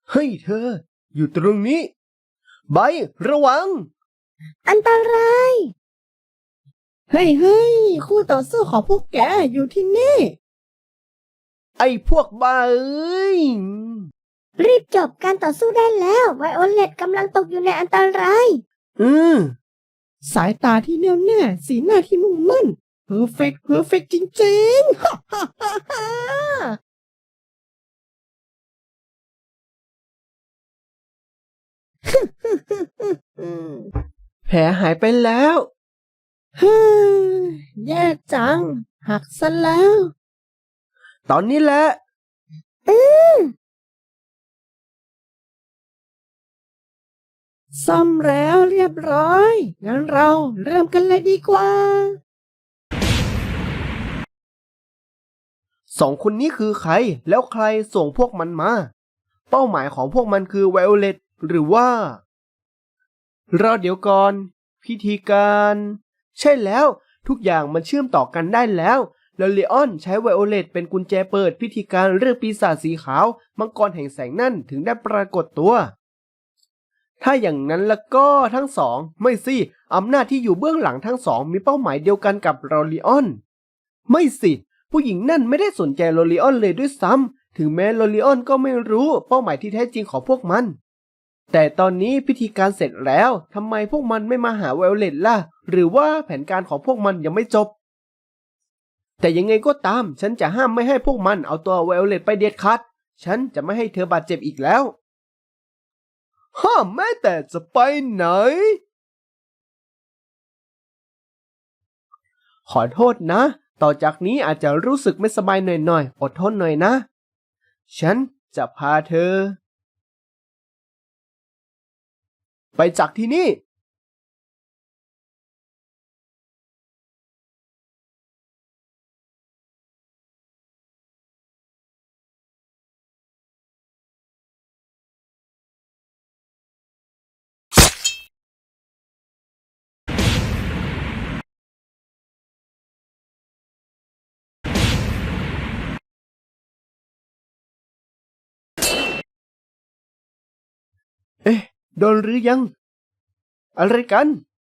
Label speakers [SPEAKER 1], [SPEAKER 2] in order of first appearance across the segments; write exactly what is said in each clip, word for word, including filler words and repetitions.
[SPEAKER 1] เฮ้ยเธออยู่ตรงนี้ไบระวัง
[SPEAKER 2] อันตรายเฮ้ยเฮ้ยคู่ต่อสู้ของพวกแกอยู่ที่นี่
[SPEAKER 1] ไอ้พวกบ้าเอ้ย
[SPEAKER 2] รีบจบการต่อสู้ได้แล้วไวโอเลตกำลังตกอยู่ในอันตราย
[SPEAKER 1] อืม
[SPEAKER 2] สายตาที่แน่วแน่สีหน้าที่มุ่งมั่นเพอร์เฟกต์เพอร์เฟกต์จริงๆฮ่าฮ่าฮ่าฮ่า
[SPEAKER 1] แผลหายไปแล้ว
[SPEAKER 2] เฮ้ยแย่จังหักซะแล้ว
[SPEAKER 1] ตอนนี้แหละ
[SPEAKER 2] อือซ่อมแล้วเรียบร้อยงั้นเราเริ่มกันเลยดีกว่า
[SPEAKER 1] สองคนนี้คือใครแล้วใครส่งพวกมันมาเป้าหมายของพวกมันคือไวโอเลตหรือว่ารอเดี๋ยวก่อนพิธีการใช่แล้วทุกอย่างมันเชื่อมต่อกันได้แล้วแล้วเลออนใช้ไวโอเลตเป็นกุญแจเปิดพิธีการเรื่องปีศาจสีขาวมังกรแห่งแสงนั่นถึงได้ปรากฏตัวถ้าอย่างนั้นแล้วก็ทั้งสองไม่สิอำนาจที่อยู่เบื้องหลังทั้งสองมีเป้าหมายเดียวกันกับโรลิออนไม่สิผู้หญิงนั่นไม่ได้สนใจโรลิออนเลยด้วยซ้ำถึงแม้โรลิออนก็ไม่รู้เป้าหมายที่แท้จริงของพวกมันแต่ตอนนี้พิธีการเสร็จแล้วทำไมพวกมันไม่มาหาไวโอเลตล่ะหรือว่าแผนการของพวกมันยังไม่จบแต่ยังไงก็ตามฉันจะห้ามไม่ให้พวกมันเอาตัวไวโอเลตไปเด็ดขาดฉันจะไม่ให้เธอบาดเจ็บอีกแล้วห้ามแม้แต่จะไปไหนขอโทษนะต่อจากนี้อาจจะรู้สึกไม่สบายหน่อยๆอดทนหน่อยนะฉันจะพาเธอไปจากที่นี่เอ๊ะโดนหรือยังอะไรกัน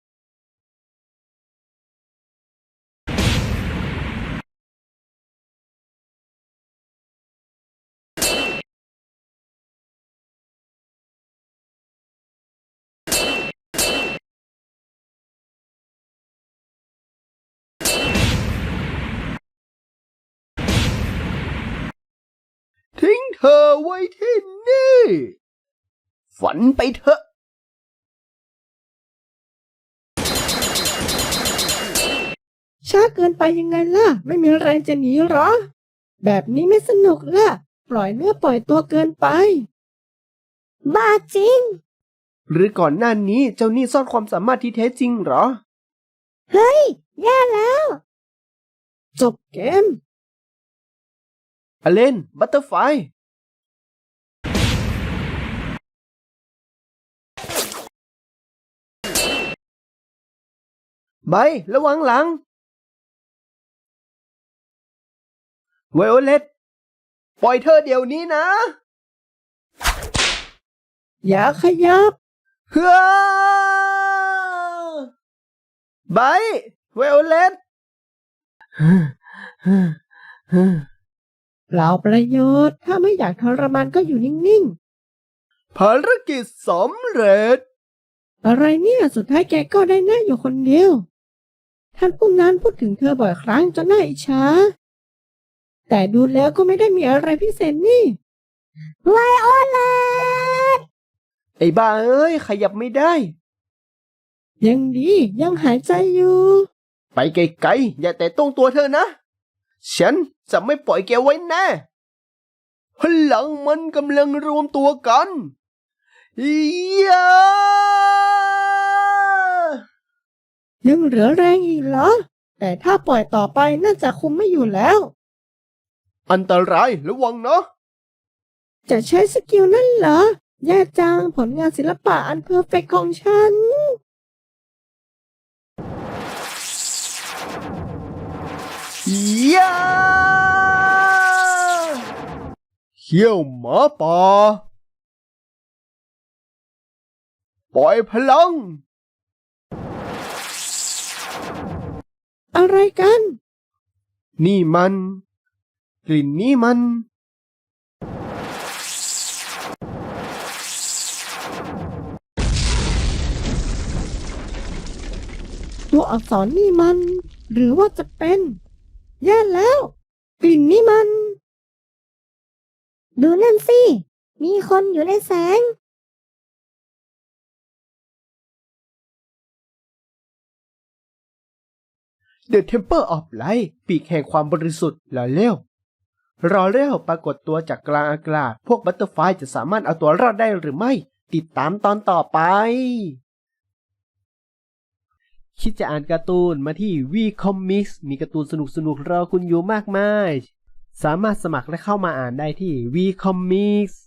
[SPEAKER 1] ทิ้งเธอไว้ที่นี่ฝันไปเถอะ
[SPEAKER 2] ช้าเกินไปยังไงล่ะไม่มีแรงจะหนีหรอแบบนี้ไม่สนุกล่ะปล่อยเนื้อปล่อยตัวเกินไปบ้าจริง
[SPEAKER 1] หรือก่อนหน้านี้เจ้านี่ซ่อนความสามารถที่แท้จริงเหรอ
[SPEAKER 2] เฮ้ยแย่แล้วจบเกม
[SPEAKER 1] อเลนบัตเตอร์ไฟไประวังหลังไวโอเลตปล่อยเธอเดี๋ยวนี้นะ
[SPEAKER 2] อย่าขยับ
[SPEAKER 1] เฮ้อไบไวโอเลต
[SPEAKER 2] เปล่าประโยชน์ถ้าไม่อยากทรมานก็อยู่นิ่ง
[SPEAKER 1] ๆภารกิจสำเร็จ
[SPEAKER 2] อะไรเนี่ยสุดท้ายแกก็ได้นั่งอยู่คนเดียวท่านผู้นั้นพูดถึงเธอบ่อยครั้งจนน่าอิจฉาแต่ดูแล้วก็ไม่ได้มีอะไรพิเศษนี่ไวโอเลต
[SPEAKER 1] ไอ้บ้าเอ้ยขยับไม่ได้
[SPEAKER 2] ยังดียังหายใจอยู่
[SPEAKER 1] ไปไกลๆอย่าแต่ต้องตัวเธอนะฉันจะไม่ปล่อยแกไว้แน่พลังมันกำลังรวมตัวกันยา
[SPEAKER 2] ยังเหลือแรงอีกเหรอแต่ถ้าปล่อยต่อไปน่าจะคุมไม่อยู่แล้ว
[SPEAKER 1] อันตรายระวังนะ
[SPEAKER 2] จะใช้สกิลนั่นเหรอแย่จังผลงานศิลปะอันเพอร์เฟกต์ของฉัน
[SPEAKER 1] ยาเขี้ยวหมาป่าปล่อยพลัง
[SPEAKER 2] อะไรกัน
[SPEAKER 1] นี่มัน กลิ่นนี้มัน
[SPEAKER 2] ตัวอักษรนี่มัน หรือว่าจะเป็นแย่แล้ว กลิ่นนี่มัน
[SPEAKER 3] ดูนั่นสิ มีคนอยู่ในแสง
[SPEAKER 1] The Temple of Light ปีกแห่งความบริสุทธิ์รอเร็วรอเร็วปรากฏตัวจากกลางอากาศพวกบัตเตอร์ไฟจะสามารถเอาตัวรอดได้หรือไม่ ติดตามตอนต่อไป คิดจะอ่านการ์ตูนมาที่ วี Comics มีการ์ตูนสนุกๆรอคุณอยู่มากมาย สามารถสมัครและเข้ามาอ่านได้ที่ วี Comics